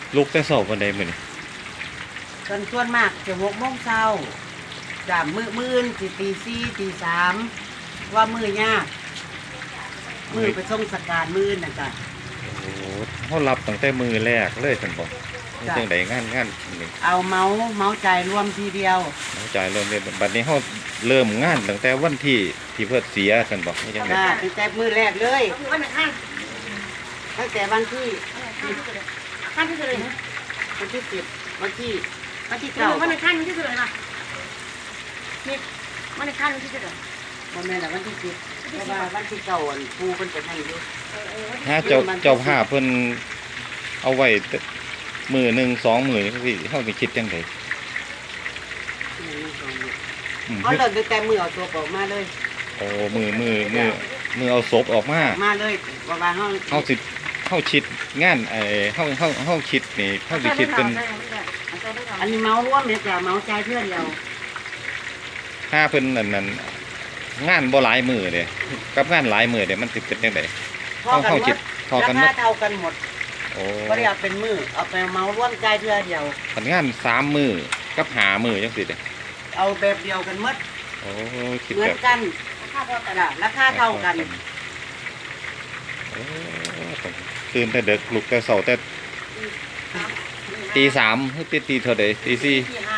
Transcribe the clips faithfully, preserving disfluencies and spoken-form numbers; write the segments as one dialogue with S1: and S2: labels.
S1: ลุกแต่เช้าปานใดมื้อนี้
S2: ส่วนส่วนมากจะหกโมงเช้าจ้ะมื้อมื้ออื่นสิตีสี่ตีสามว่ามื้อยากมื้อไปส่งสการมื้ออื่นน่ะจ้ะ
S1: โอ้เฮารับตั้งแต่มื้อแรกเลยซั่นบ่นี่จังได๋งานงานนี่
S2: เอาเมาส์เมาส์จ่ายรวมทีเดียว
S1: เข้าใจเริ่มเรียนบัดนี้เฮาเริ่มงานตั้งแต่วันที่ที่เพิ่นเสียซั่นบ่นี่จังได๋
S2: จ้ะตั้งแต่มื้อแรกเลย
S3: วันไหนขั้น
S2: ตั้งแต่วันที่
S3: ขั้นที่สุดเลยนะ
S2: วันที่สิบวันที่วันที่
S3: เก้า
S2: เก้า
S3: วันไหนขั้นที่สุดเลยนะนี่วันไหนขั้นที่สุดเลย
S2: บ่แม่นละวันที่สิบเพราะว่าวันที่เก้าอันครูเพิ่นไปให้อยู่
S1: ฮะเจ้าเจ้าภาพเพิ่นเอาไว้มื้อหนึ่ง สองมื้อนี่สิเฮาสิคิดจังได๋อืม
S2: เขาเริ่มตั้งแต่มือเอาตัวออกมาเลย
S1: โอ้มื้อมื้อมื้อมื้อเอาศพออกมา
S2: มาเลยว่าว่าเฮา
S1: เฮาสิเฮาคิดงานไอ้เฮาเฮาเฮาคิดนี่เฮาสิคิดเป็น
S2: อันนี้เมาร่วมเนี่ยจ้ะเมาจ่ายเพื่อเดียว
S1: ถ้าเพิ่นนั่นนั่นงานบ่หลายมื้อเด้กับงานหลายมื้อเด้มันสิเป็นจังได๋
S2: พอกันหม
S1: เฮาคิ
S2: ด
S1: ดพอ
S2: รา
S1: กันหม
S2: คา
S1: ด
S2: เท่ากันหมด
S1: โอ้
S2: บ่ได้เอาเป็นมือเอาไปเมาร่วมจ่ายเพื่อเดียว
S1: คันงานสามมื้อกับห้ามื้อจังซี่เด้
S2: เอาแบบเดียวกันหมด
S1: โอ้คิด
S2: เหมือ
S1: แบ
S2: น
S1: บ
S2: กันราคาเท่ากันอะราคาเท่ากัน
S1: โอ้ตื่นแต่ดึกลุกแต่เช้าแต่ตีสามหรือตีตีเท่าใดตีสี่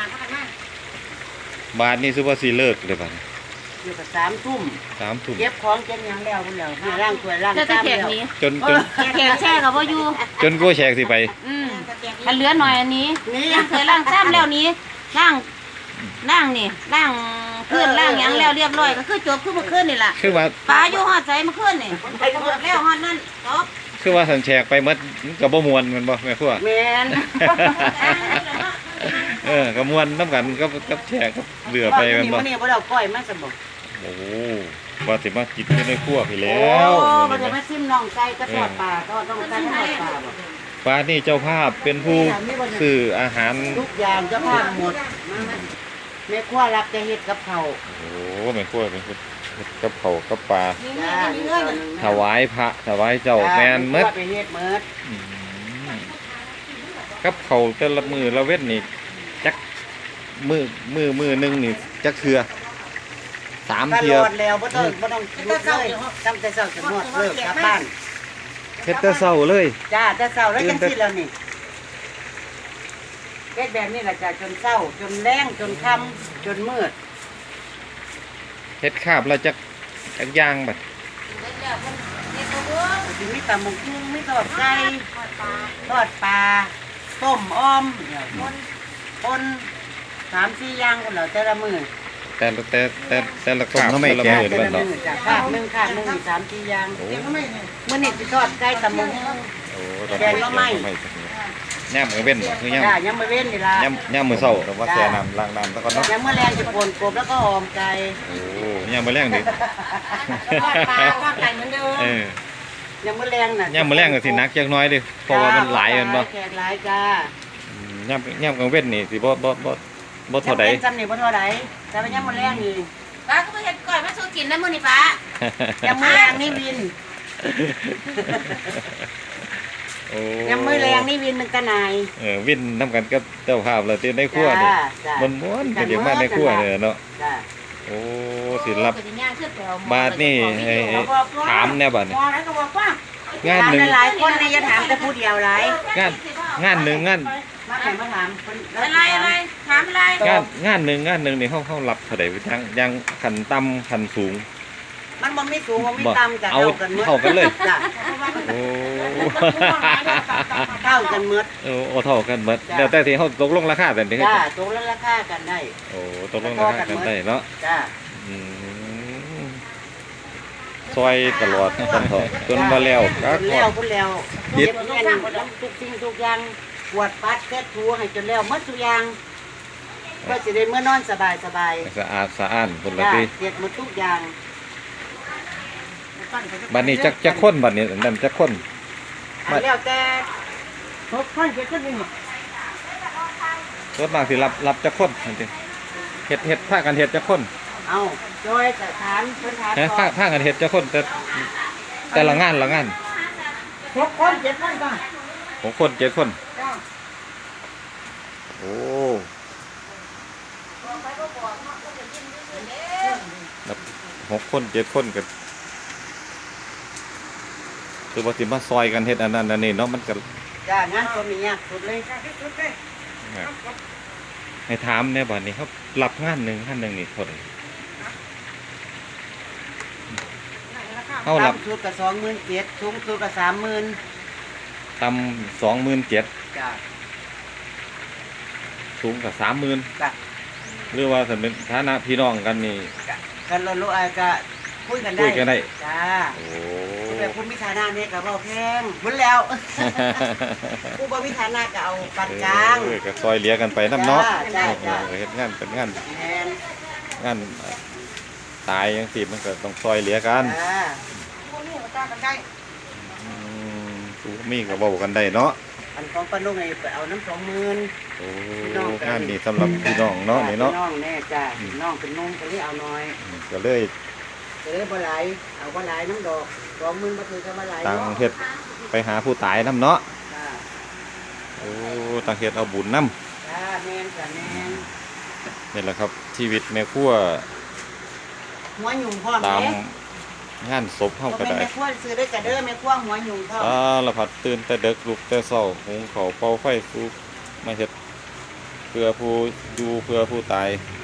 S1: บาทนี่สิว่าสิเลิกเลยบาดนี้
S2: อยู่กับสามทุ่ม
S1: สามทุ่ม
S2: เก็บของเก็บหยังแล้วพุ่นแล้วนี่ร่างถ้วยร่าง
S3: จะจะ
S2: จาน
S3: แขก
S2: แล้ว
S3: นี้
S1: จนจน
S3: แขกแช่กับว่าอยู่
S1: จนกูแชกสิไป
S3: อืมถ้าเหลือหน่อยอันนี้
S2: นี่
S3: ล่างเคยล่างซ้ำแล้วนี้ล่างล่างนี่ล่างพื้นล่างหยังแล้วเรียบร้อยก็คือจบคือเมื่อคืนนี่แหละ
S1: คือว่า
S3: ปลาอยู่หอดใจเมื่อคืนนี่หมดแล้วหอดนั่นจบ
S1: คือว่าสันแชกไปหมดก็บ่ม่วนแมันบ่แม่ครัว
S2: แม่น
S1: เออก็ม่วนนํกันกับกับแชกกับเหลือไปแม่นบ่
S2: มื้อนี้บ่ได้เอาก้อยมาซะบ่
S1: โอ้ว่าสิมากินอยู่ในครัวพี่แล้
S2: โอ้
S1: ว
S2: บ่ได้มาซิมน้องไก่ก็ทอดปลาทอดน้องไก่ทอดปลาบ่
S1: ป้านี่เจ้าภาพเป็นผู้ซื้ออาหาร
S2: ทุกอย่างเจะพาพหมดแม่ครัวรับจะเฮ็ดกับข้าว
S1: โอ้แม่ครัวเป็นผู้เฮ็ดกับข้าวกับปลา
S2: จ้า
S1: ถวายพระถวายเจ้าแม่นหมด
S2: ไปเฮ็ดหมด
S1: อืมกับเขาวแต่ละมือละเว้นนี่จักมือมือมือหนึงนี่จักเทือสาม
S2: ต
S1: เทือ
S2: ลอดแล้วบ่ต้องบ่ต้องหยุดเลยตั้งแต่เช้าจนฮอดเลิกกลับบ้าน
S1: เฮ็ดแต่เช้าเลย
S2: จ้าแต่เช้าแล้ว
S1: ตื่
S2: จั
S1: น
S2: ง
S1: แต่
S2: ซี่แล้วนี่เฮ็ดแบบนี้ล่ะจ้ะจนเช้าจนแลงจนค่ำจนมืด
S1: เฮ็ดคาบแล้วจักจักอย่างบัด
S2: สิมีตำบักหุ่งมีทอดไก่ทอดปลาต้มอ้อมเดี๋ยวปนปนสามสี่อย่างพุ่นแล้วแต่ละมื้อ
S1: แต่ละแต่แต่แต่ละคาบแต่ละมือ
S2: แต่
S1: บั
S2: ละ
S1: ดเนาะ
S2: มื้อจ้ะคาบหนึงคาบหนึงมีสามสี่อย่าง
S1: โอ้
S2: มื้อนี้สิทอดไก่ตำบักหุ่ง
S1: โอ้ตอน
S2: แกงหน่อไม้
S1: ย่ามมื้อเว้นบ่คือย่าม
S2: จ้ายังไม่เว้นนี่ล่ะ
S1: ย่ามย่ามมื้อเช้าแต่ว่าแช่น้ำล้างน้ำซะก่อนเนาะ
S2: ยังมื้อแรงจะปนกบแล้วก็หอมไก่
S1: โอ้ย่ามมื้อแรงนี่
S3: ทอดปลาทอดไก่เหมือนเดิม
S1: เออ
S2: ยังมื้อแรงน่ะ
S1: ย่ามมื้อแรงก็สิหนักจักหน้อยเด้เพราะว่ามันหลายแม่นบ่
S2: แขกหลายจ้า
S1: อืมย่ามย่ามกลางเว้นนี่สิบ่บ่บ่บ่เท่าใด
S2: จำเป็นจำนี่บ่เท่าใดแต่ว่ายังมื้อแรงนี่
S3: ปลาก็ไปเห็ดก่อยมาสู้กินนะมื้อนี้ปลา
S2: ยังมื้อแรงนี่วิน
S1: โอ้
S2: ยังมื้อแรงนี่วินมันตะนาย
S1: เออวินนํกันกับเจ้าภาพแล้วที่ในครัวนี่
S2: จ้าจ้า
S1: มันม่วนก็เดี๋ยวมาในครัวเนี่ยเนาะ
S2: จ้า
S1: โอ้สิรับ
S3: ก็สิย่างขึ้นไปเอหม้อบ
S1: าทนี่ไอ้ไอ้ถามแน่บัดนี่
S2: พอแล้วก็บอกว่าง
S1: านหนึ่ง
S2: หลายคนนี่อย่าถามแต่ผู้เดียวหลาย
S1: งานงานหนึ่งงาน
S2: มาให้มาถามคนแล้ว
S3: อะไรอะไรถามอะไร
S1: งานงานหนึ่งงานหนึ่งนี่เฮาเฮารับเท่าใดยังยังขันต่ำขันสูง
S2: มันบ่มีสูงบ่มี
S1: บ่
S2: ต่ำจ้ะ
S1: เอา
S2: เท่ากันหมด
S1: เท่ากันเลย
S2: จ้ะ
S1: โอ้
S2: เท่ากันหมด
S1: โอ้โอ้เท่ากันหมด
S2: จ้ะ
S1: แล้วแต่ที่เฮาตกลงราคาแต่นี่
S2: จ้าตรงแล้วราคากันได้
S1: โอ้ตกลงราคากันได้เนาะ
S2: จ้า
S1: อืมซอยตลอดกันเถอะจนมาแล้วก็
S2: จนแล้วพุ่นแล้ว
S1: ยึ
S2: เก็
S1: ด
S2: บเงินทุกสิ่งทุกอย่างปวดปัดแค่ถูให้จนแล้วหมดทุกอย่างเพื่อสิได้เมื่อนอนสบายสบาย
S1: สะอาดสะอ้านพุ่นละ
S2: จ้า
S1: ติ
S2: เสร็จหมดทุกอย่าง
S1: บัดนี้จักจักคนบัดนี้นั่นจักคน
S2: อันแล้วแต่หกคนเจ็ดคนนี่
S1: ส่วนมากสิรับรับจักคนนั่นติเฮ็ดเฮ็ดพากันเฮ็ดจักคน
S2: เอาโดยสถานพื้นฐาน
S1: ฮะพาพากันเฮ็ดจักคนแต่แต่ละงานละงาน
S2: หกคนเจ็ดคนก็
S1: หกคนเจ็ดคน
S2: จ้า
S1: โโอ้นับหกคนเจ็ดคนกันคือว่าสิมาซอยกันเฮ็ดอันนั้นอันนี้เนาะมันก็
S2: จ้างานก็มียากสุดเลย
S1: ให้ถามเนี่ยบัดนี้ครับรับงานหนึ่งงานหนึ่งนี่เท่าไหร่เขารับ
S2: ต่ำสุดกับสองหมื่นเจ็ดสูงสุดกับสามหมื่น
S1: ตำสองหมื่นเจ็ด
S2: จ้า
S1: สูงกับสามหมื่น
S2: จ้า
S1: หรือว่าสำเป็นฐานะพี่น้องกันนี่
S2: กันเรารู้อาก็คุยกันได้
S1: คุยกันได้
S2: จ้า
S1: โอ้
S2: แต่คุณมิฐานะเนี่ยกับเราแพงหมดแล้วผู้บ่มิฐานะก็เอาปานกลาง
S1: เออก็ซอยเหลียกันไปน้ำเนาะ
S2: จ้าจ้า
S1: เออเฮ็ดงานเป็นงาน
S2: แมน
S1: งานตายจังซี่มันก็ต้องซอยเหลียกัน
S2: จ้า
S1: อืมสูมีก็เว้ากันได้เนาะ
S2: อันของปานุ่งไงไปเอาน้ำสองหมื่น
S1: โอ้งานนี้สำหรับพี่น้องเนาะนี่เนาะ
S2: น้องแน่จ้าน้องเป็นนุ่มก็เลยเอาน้อย
S1: อืมก็เลย
S2: ก็เลยบ่หลายเอาบ่หลายน้ำดอกสองหมื่นบ่ถือก็บ่หลาย
S1: ต่าง
S2: เนาะ
S1: เฮ็ดไปหาผู้ตายนํเนาะ
S2: จ้า
S1: โอ้ต่างเฮ็ดเอาบุญนํ
S2: จ้าแมนจ้าแมน
S1: นี่แหละครับชีวิตแม่ครัว
S2: หัวหยุ่งพร้อม
S1: ตาม
S2: เด้
S1: งานศพเฮา
S2: บ่
S1: ก็
S2: เป็น
S1: ได้
S2: แม่ครัวซื้อได้จ้ะเด้อแม่ครัวหัวหยุ่งพร้อม
S1: อ่าละพัดตื่นแต่ดึกลุกแต่เช้าหุงข้าวเป่าไฟสูบมาเฮ็ดเพื่อผู้อยู่เพื่อผู้ตาย
S2: จ